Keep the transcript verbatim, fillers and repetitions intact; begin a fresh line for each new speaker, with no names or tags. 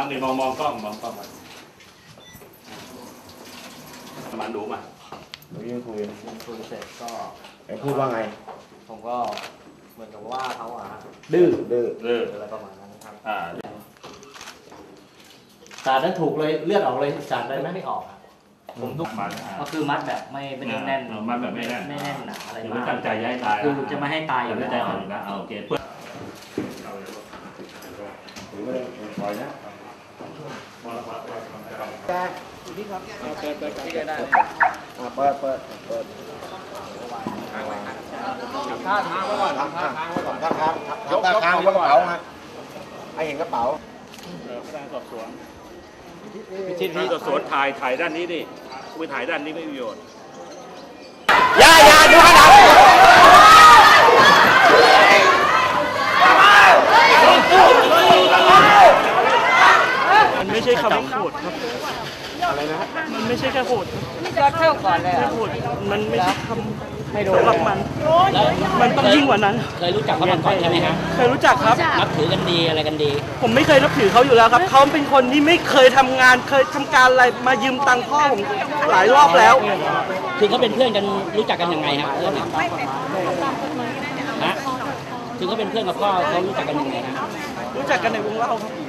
นี่มองมองกล้องมองกล้องมามาดูมา
เมื่อกี้คุย
ผมคุยเสร็จก็
ไอ้พูดว่าไง
ผมก็เหมือนกับว่าเขาอ่ะ
ดื้อดื้อ
เออ
อะไรประมาณนั้นครับ
อ่า
สาดนั้นถูกเลยเลือดออกเลยสาดได้ไหม
ไม่ออกครับ
ผมทุกมัน
ก็คือมัดแบบไม่ไม่ได้แน่น
มันแบบไม่แน่น
ไม่แน่นหนาอะไร
คือ
มา
ไม่
ก
ตั้งใจย้ายตาย
คือจะไม่ให้ตายอยู่
ไม่
แล้ว
ใจอ่อนอยู่นะเอาโอเคเพื่อ
หรือไม่ได้ปล่อยนะแกนี่ครับเปิดเปิดที่ได้เปิดเปิดเปิดท่าทางไว้ก่อนท่าทางไว้ก่อนท่าทางท่าทางบนกระเป๋าฮะให้เห็นกระเป๋า
พนักงานสอบสวนพิชิตที่สอบสวนถ่ายถ่ายด้านนี้ดิไปถ่ายด้านนี้ไม่มีประโยชน์
อย่าอย่าดูข้างหลัง
มันไม่ใช่คำว่าโหดครับ
อะไรนะ
มันไม่ใช่แค่โหด
ก็เท่าก่อนเลย
แค่
อ่ะ
โหดมันไม่ใช่ค
ไม่โด
ำ
น
สำหรับมัน มันต้องยิ่งกว่านั้น
เคยรู้จักเขามาก่อนใช่ไหมฮะ
เคยรู้จักครับ
นับถือกันดีอะไรกันดี
ผมไม่เคยนับถือเขาอยู่แล้วครับ เขาเป็นคนที่ไม่เคยทำงาน เคยทำการอะไร มายืมตังค์พ่อผมหลายรอบแล้ว
คือเขาเป็นเพื่อนกันรู้จักกันยังไงฮะเพื่อนฮะคือเขาเป็นเพื่อนกับพ่อเขารู้จักกันยังไงฮะ
รู้จักกันในวงเล่าครับ